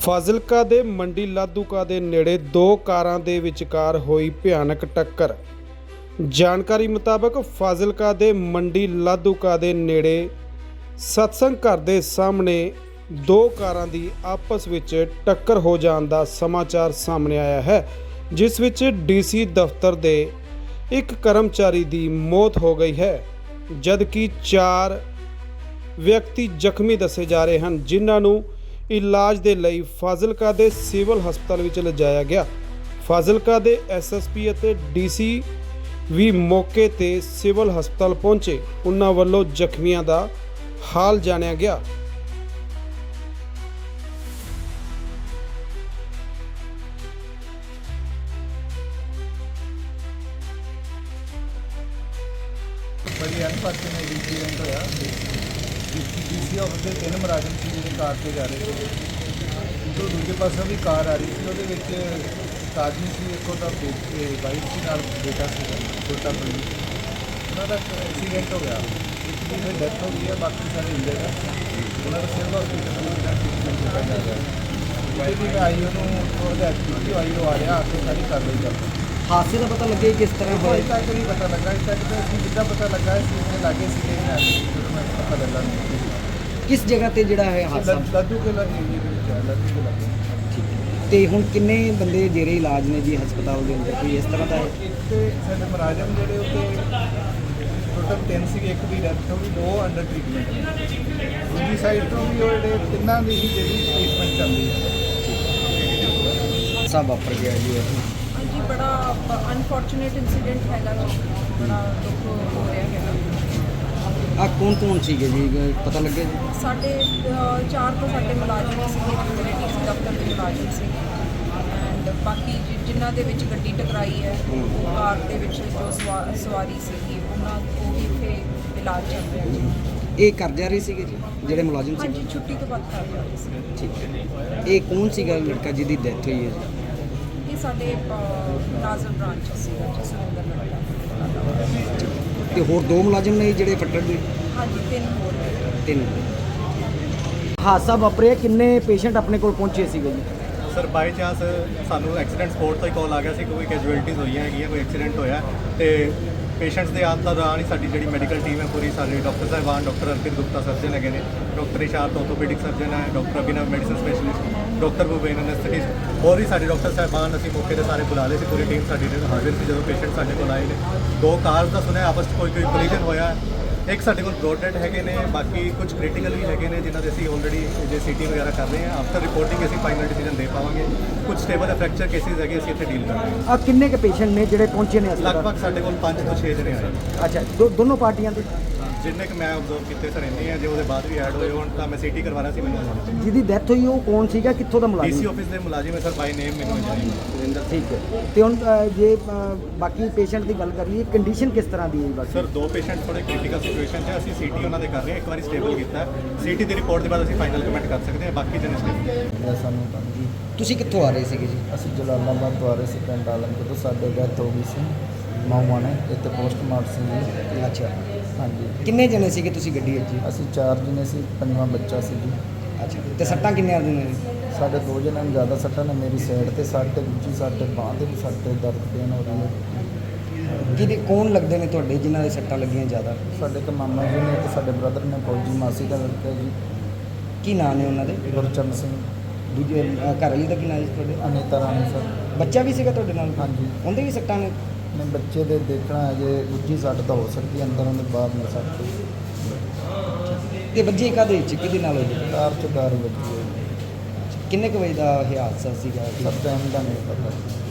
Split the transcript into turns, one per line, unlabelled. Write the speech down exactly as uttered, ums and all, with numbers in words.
ਫਾਜ਼ਿਲਕਾ ਦੇ ਮੰਡੀ ਲਾਧੂਕਾ ਦੇ ਨੇੜੇ ਦੋ ਕਾਰਾਂ ਦੇ ਵਿਚਕਾਰ ਹੋਈ ਭਿਆਨਕ ਟੱਕਰ। ਜਾਣਕਾਰੀ ਮੁਤਾਬਕ ਫਾਜ਼ਿਲਕਾ ਦੇ ਮੰਡੀ ਲਾਧੂਕਾ ਦੇ ਨੇੜੇ ਸਤਸੰਗ ਘਰ ਦੇ ਸਾਹਮਣੇ ਦੋ ਕਾਰਾਂ ਦੀ ਆਪਸ ਵਿੱਚ ਟੱਕਰ ਹੋ ਜਾਣ ਦਾ ਸਮਾਚਾਰ ਸਾਹਮਣੇ ਆਇਆ ਹੈ, ਜਿਸ ਵਿੱਚ ਡੀਸੀ ਦਫ਼ਤਰ ਦੇ ਇੱਕ ਕਰਮਚਾਰੀ ਦੀ ਮੌਤ ਹੋ ਗਈ ਹੈ, ਜਦਕਿ ਚਾਰ ਵਿਅਕਤੀ ਜ਼ਖਮੀ ਦੱਸੇ ਜਾ ਰਹੇ ਹਨ, ਜਿਨ੍ਹਾਂ ਨੂੰ ਇਲਾਜ ਦੇ ਲਈ ਫਾਜ਼ਿਲਕਾ ਦੇ ਸਿਵਲ ਹਸਪਤਾਲ ਵਿੱਚ ਲਿਜਾਇਆ ਗਿਆ। ਫਾਜ਼ਿਲਕਾ ਦੇ ਐਸ ਐਸ ਪੀ ਅਤੇ ਡੀ ਸੀ ਵੀ ਮੌਕੇ ਤੇ ਸਿਵਲ ਹਸਪਤਾਲ ਪਹੁੰਚੇ। ਉਹਨਾਂ ਵੱਲੋਂ ਜ਼ਖਮੀਆਂ ਦਾ ਹਾਲ ਜਾਣਿਆ ਗਿਆ।
बड़ी अनफॉर्चुनेट इंसीडेंट होया। डी सी ऑफिस ਦੇ ਤਿੰਨ ਮੁਲਾਜ਼ਮ ਸੀ ਜਿਹੜੇ ਕਾਰ ਤੇ ਜਾ ਰਹੇ ਸੀ। ਤੋਂ ਦੂਜੇ ਪਾਸੋਂ ਵੀ ਕਾਰ ਆ ਰਹੀ ਸੀ, ਉਹਦੇ ਵਿੱਚ ਇੱਕ ਆਦਮੀ ਸੀ, ਇੱਕ ਉਹਦਾ ਵਾਈਫ ਸੀ, ਨਾਲ ਬੇਟਾ ਸੀ ਛੋਟਾ ਬੜੀ। ਉਹਨਾਂ ਦਾ ਐਕਸੀਡੈਂਟ ਹੋ ਗਿਆ, ਇੱਕ ਦੀ ਫਿਰ ਡੈਥ ਹੋ ਗਈ ਹੈ, ਬਾਕੀ ਸਾਰੇ ਇੰਜਰਡ ਹੈ। ਉਹਨਾਂ ਦਾ ਸਿਵਲ ਹਸਪੀਟਲ ਦਾ ਟ੍ਰੀਟਮੈਂਟ ਕੀਤਾ ਜਾ ਰਿਹਾ ਹੈ। ਜਿਹੜੀ ਵੀ ਆਈ ਉਹਨੂੰ ਉਹਦਾ ਐਕਟੀਵਿਟੀ ਆਈ ਉਹ ਆ ਰਿਹਾ ਆ ਕੇ ਸਾਰੀ ਕਾਰਵਾਈ ਕਰਦਾ।
ਹਾਦਸੇ ਦਾ ਪਤਾ ਲੱਗਿਆ ਕਿਸ ਤਰ੍ਹਾਂ
ਅਜੇ
ਹੋਇਆ?
ਤੱਕ ਨਹੀਂ ਪਤਾ ਲੱਗਾ। ਅਜੇ ਤੱਕ ਤਾਂ ਅਸੀਂ ਜਿੱਦਾਂ ਪਤਾ ਲੱਗਾ ਸੀ ਉਹਦੇ ਲਾਗੇ ਸੀਗੇ ਜਦੋਂ ਮੈਂ ਪਤਾ ਲੱਗਾ
ਕਿਸ ਜਗ੍ਹਾ ਤੇ ਜਿਹੜਾ ਹੈ ਹਾਦਸਾ?
ਲਾਧੂ ਕੇ ਲਾਗੇ ਏਰੀਏ ਦੇ ਵਿੱਚ ਹੈ, ਲਾਧੂ ਕੇ ਲਾਗੇ।
ਠੀਕ ਹੈ। ਤੇ ਹੁਣ ਕਿੰਨੇ ਬੰਦੇ ਜਿਹੜੇ ਇਲਾਜ ਨੇ ਜੀ ਹਸਪਤਾਲ ਦੇ ਅੰਦਰ, ਕੋਈ ਇਸ ਤਰ੍ਹਾਂ ਦਾ ਹੈ?
ਇੱਕ ਤੇ ਸਾਡੇ ਮੁਲਾਜ਼ਮ ਜਿਹੜੇ ਉੱਤੇ ਟੋਟਲ ਤਿੰਨ ਸੀਗੇ, ਇੱਕ ਦੀ ਡੈਥ ਹੋ ਗਈ, ਦੋ ਅੰਡਰ ਟ੍ਰੀਟਮੈਂਟ ਨੇ। ਦੂਜੀ ਸਾਈਡ ਤੋਂ ਵੀ ਉਹ ਜਿਹੜੇ ਤਿੰਨਾਂ ਦੀ ਹੀ ਜਿਹੜੀ ਟ੍ਰੀਟਮੈਂਟ ਚੱਲਦੀ ਹੈ।
ਸਭ ਵਾਪਰ ਗਿਆ ਜੀ ਇਹ।
ਹਾਂਜੀ, ਬੜਾ ਅਨਫੋਰਚੂਨੇਟ ਇੰਸੀਡੈਂਟ ਹੈਗਾ ਜੀ, ਬੜਾ ਦੁੱਖ ਹੋ ਰਿਹਾ ਹੈਗਾ।
ਆ ਕੌਣ ਕੌਣ ਸੀਗੇ ਜੀ, ਪਤਾ ਲੱਗਿਆ ਜੀ?
ਸਾਡੇ ਅ, ਚਾਰ ਤੋਂ ਸਾਡੇ ਮੁਲਾਜ਼ਮ ਸੀਗੇ, ਜਿਹੜੇ ਡੀ ਸੀ ਦਫ਼ਤਰ ਦੇ ਮੁਲਾਜ਼ਮ ਸੀ, ਐਂਡ ਬਾਕੀ ਜਿ- ਜਿਨ੍ਹਾਂ ਦੇ ਵਿੱਚ ਗੱਡੀ ਟਕਰਾਈ ਹੈ, ਉਹ ਕਾਰ ਦੇ ਵਿੱਚ ਜੋ ਸਵਾ ਸਵਾਰੀ ਸੀਗੀ, ਉਹਨਾਂ ਉਹ ਵੀ ਇੱਥੇ ਇਲਾਜ ਚੱਲ ਰਿਹਾ ਜੀ।
ਇਹ ਕਰ ਜਾ ਰਹੇ ਸੀਗੇ ਜੀ ਜਿਹੜੇ ਮੁਲਾਜ਼ਮ ਸੀ?
ਹਾਂਜੀ, ਛੁੱਟੀ ਤੋਂ ਬਾਅਦ ਕਰ ਰਹੇ ਸੀ।
ਠੀਕ ਹੈ। ਇਹ ਕੌਣ ਸੀਗਾ ਲੜਕਾ ਜਿਹਦੀ ਡੈਥ ਹੋਈ ਹੈ ਜੀ?
ਇਹ ਸਾਡੇ ਅ, ਨਾਜ਼ਰ ਬ੍ਰਾਂਚ ਸੀਗਾ ਜੀ, ਸੁਰਿੰਦਰ ਲੜਕਾ।
ਤੇ ਹੋਰ ਦੋ ਮੁਲਾਜ਼ਮ ਨੇ ਜਿਹੜੇ ਫੱਟੜ ਦੇ?
ਹਾਂਜੀ, ਤਿੰਨ ਹੋਰ ਨੇ।
ਤਿੰਨ। ਹਾਦਸਾ ਵਾਪਰਿਆ, ਕਿੰਨੇ ਪੇਸ਼ੈਂਟ ਆਪਣੇ ਕੋਲ ਪਹੁੰਚੇ ਸੀਗੇ ਜੀ?
ਸਰ ਬਾਈ ਚਾਂਸ ਸਾਨੂੰ ਐਕਸੀਡੈਂਟ ਸਪੋਰਟ ਤੋਂ ਹੀ ਕਾਲ ਆ ਗਿਆ ਸੀ ਕਿ ਕੋਈ ਕੈਜੂਅਲਟੀਜ਼ ਹੋਈਆਂ ਹੈਗੀਆਂ, ਕੋਈ ਐਕਸੀਡੈਂਟ ਹੋਇਆ। ਤੇ ਪੇਸ਼ੈਂਟਸ ਦੇ ਆਉਣ ਦਾ ਦੌਰਾਨ ਹੀ ਸਾਡੀ ਜਿਹੜੀ ਮੈਡੀਕਲ ਟੀਮ ਹੈ ਪੂਰੀ, ਸਾਡੇ ਡਾਕਟਰ ਸਾਹਿਬਾਨ, ਡਾਕਟਰ ਅਰਪਿਤ ਗੁਪਤਾ ਸਰਜਨ ਹੈਗੇ ਨੇ, ਡਾਕਟਰ ਇਸ਼ਾਰਤ ਆਰਥੋਪੈਡਿਕ ਸਰਜਨ ਹੈ, doctor Abhinav medicine specialist, doctor Bhupen anaesthetist, ਹੋਰ ਵੀ ਸਾਡੇ ਡਾਕਟਰ ਸਾਹਿਬਾਨ ਅਸੀਂ ਮੌਕੇ ਤੇ ਸਾਰੇ ਬੁਲਾ ਲਏ ਸੀ। ਪੂਰੀ ਟੀਮ ਸਾਡੀ ਹਾਜ਼ਰ ਸੀ ਜਦੋਂ ਪੇਸ਼ੈਂਟ ਸਾਡੇ ਕੋਲ ਆਏ ਨੇ। ਦੋ ਕਾਰਸ ਦਾ ਸੁਣਿਆ ਆਪਸ 'ਚ ਕੋਈ ਕੋਈ ਕੋਲੀਜਨ ਹੋਇਆ। ਇੱਕ ਸਾਡੇ ਕੋਲ ਬ੍ਰੌਡ ਡੈਡ ਹੈਗੇ ਨੇ, ਬਾਕੀ ਕੁਝ ਕ੍ਰਿਟੀਕਲ ਵੀ ਹੈਗੇ ਨੇ ਜਿਨ੍ਹਾਂ ਦੇ ਅਸੀਂ ਆਲਰੇਡੀ ਜੇ ਸੀਟੀ ਵਗੈਰਾ ਕਰ ਰਹੇ ਹਾਂ। ਆਫਟਰ ਰਿਪੋਰਟਿੰਗ ਅਸੀਂ ਫਾਈਨਲ ਡਿਸੀਜਨ ਦੇ ਪਾਵਾਂਗੇ। ਕੁਝ ਸਟੇਬਲ ਫ੍ਰੈਕਚਰ ਕੇਸਿਸ ਹੈਗੇ, ਅਸੀਂ ਇੱਥੇ ਡੀਲ ਕਰ ਰਹੇ ਹਾਂ।
ਆ ਕਿੰਨੇ ਕੁ ਪੇਸ਼ੈਂਟ ਨੇ ਜਿਹੜੇ ਪਹੁੰਚੇ ਨੇ ਹਸਪਤਾਲ?
ਲਗਭਗ ਸਾਡੇ ਕੋਲ ਪੰਜ ਤੋਂ ਛੇ ਜਣੇ ਆਏ।
ਅੱਛਾ, ਦੋ ਦੋਨੋਂ ਪਾਰਟੀਆਂ ਦੇ?
ਜਿੰਨੇ ਕਿ ਮੈਂ ਆਬਜ਼ਰਵ ਕੀਤੇ ਸਰ ਇੰਨੇ ਆ, ਜੇ ਉਹਦੇ ਬਾਅਦ ਵੀ ਐਡ ਹੋਏ ਹੋਣ ਤਾਂ ਮੈਂ ਸੀਟੀ ਕਰਵਾ ਰਿਹਾ ਸੀ। ਮੈਨੂੰ
ਜਿਹਦੀ ਡੈਥ ਹੋਈ ਉਹ ਕੌਣ ਸੀਗਾ, ਕਿੱਥੋਂ ਦਾ
ਡੀਸੀ
ਮੁਲਾਜ਼ਮ?
ਆਫਿਸ ਦੇ ਮੁਲਾਜ਼ਮ ਹੈ ਸਰ, ਬਾਈ ਨੇਮ ਮੈਨੂੰ ਜਾਣੀ।
ਠੀਕ ਹੈ। ਤੇ ਹੁਣ ਅ, ਜੇ ਅ, ਬਾਕੀ ਪੇਸ਼ੈਂਟ ਦੀ ਗੱਲ ਕਰ ਲਈਏ, ਕੰਡੀਸ਼ਨ ਕਿਸ ਤਰ੍ਹਾਂ ਦੀ ਹੈ ਬਾਕੀ?
ਸਰ ਦੋ ਪੇਸ਼ੈਂਟ ਥੋੜੇ ਕ੍ਰਿਟੀਕਲ ਸਿਚੁਏਸ਼ਨ 'ਚ ਹੈ, ਅਸੀਂ ਸੀਟੀ ਉਹਨਾਂ ਦੇ ਕਰ ਰਹੇ ਹਾਂ। ਇੱਕ ਵਾਰੀ ਸਟੇਬਲ ਕੀਤਾ ਸੀਟੀ ਦੀ ਰਿਪੋਰਟ ਦੇ ਬਾਅਦ ਅਸੀਂ ਫਾਈਨਲ ਕਮੈਂਟ ਕਰ ਸਕਦੇ ਹਾਂ। ਬਾਕੀ ਜਣੇ ਸਟੇਬਲ।
ਇਹ ਸਾਨੂੰ ਤਾਂ ਜੀ
ਤੁਸੀਂ ਕਿੱਥੋਂ ਆ ਰਹੇ ਸੀਗੇ ਜੀ?
ਅਸੀਂ ਜਲਾਲਾਬਾਦ ਤੋਂ ਆ ਰਹੇ ਸੀ, ਪਿੰਡ ਆਲਮਪੁਰ ਤੋਂ। ਸਾਡੇ ਡੈਥ ਹੋ ਗਈ ਸੀ ਮਾਊਆਂ ਨੇ, ਇੱਥੇ ਪੋਸਟਮਾਰਟਮ ਸੀ।
ਅੱਛਾ,
ਹਾਂਜੀ,
ਕਿੰਨੇ ਜਣੇ ਸੀਗੇ ਤੁਸੀਂ ਗੱਡੀ ਵਿੱਚ ਜੀ?
ਅਸੀਂ ਚਾਰ ਜਣੇ ਸੀ, ਪੰਜਵਾਂ ਬੱਚਾ ਸੀ ਜੀ।
ਅੱਛਾ, ਤੇ ਸੱਟਾਂ ਕਿੰਨੇ ਆਦੀਆਂ ਨੇ?
ਸਾਡੇ ਦੋ ਜਣਿਆਂ ਨੂੰ ਜ਼ਿਆਦਾ ਸੱਟਾਂ ਨੇ, ਮੇਰੀ ਸਾਈਡ ਤੇ ਸੱਟ ਤੇ ਦੂਜੀ ਸਾਡੇ ਬਾਂਹ ਤੇ ਵੀ ਸੱਟ ਤੇ ਦਰਦ ਪੇਨ ਹੋ ਰਹੀ ਹੈ।
ਕਿਹਦੇ ਕੌਣ ਲੱਗਦੇ ਨੇ ਤੁਹਾਡੇ ਜਿਨ੍ਹਾਂ ਦੇ ਸੱਟਾਂ ਲੱਗੀਆਂ ਜ਼ਿਆਦਾ?
ਸਾਡੇ ਇੱਕ ਮਾਮਾ ਜੀ ਨੇ ਤੇ ਸਾਡੇ ਬ੍ਰਦਰ ਨੇ, ਫੌਜੀ ਮਾਸੀ ਦਾ ਲੜਕਾ ਜੀ,
ਕੀ ਨਾਂ ਨੇ ਉਹਨਾਂ ਦੇ?
ਗੁਰਚਰਨ ਸਿੰਘ।
ਦੂਜੇ ਅ, ਘਰ ਵਾਲੀ ਦਾ ਕੀ ਨਾਂ ਜੀ ਤੁਹਾਡੇ?
ਅਨੀਤਾ ਰਾਣੀ ਸਰ।
ਬੱਚਾ ਵੀ ਸੀਗਾ ਤੁਹਾਡੇ ਨਾਲ?
ਹਾਂਜੀ।
ਉਹਦੇ ਵੀ ਸੱਟਾਂ ਨੇ?
ਨੇ ਬੱਚੇ ਦੇ ਦੇਖਣਾ ਹੈ, ਜੇ ਦੂਜੀ ਸੱਟ ਤਾਂ ਹੋ ਸਕਦੀ ਹੈ, ਅੰਦਰ ਉਹਦੇ ਬਾਹਰ ਨਹੀਂ ਸੱਟ।
ਤੇ ਵੱਜੇ ਕਾਹਦੇ ਵਿੱਚ, ਕਿਹਦੇ ਨਾਲ ਹੋਈ?
ਕਾਰ ਚ ਕਾਰ ਵੱਜੀ ਹੈ।
ਕਿੰਨੇ ਕੁ ਵਜੇ ਦਾ ਇਹ ਹਾਦਸਾ ਸੀਗਾ?
ਸਭ ਟਾਈਮ ਦਾ ਨਹੀਂ ਪਤਾ।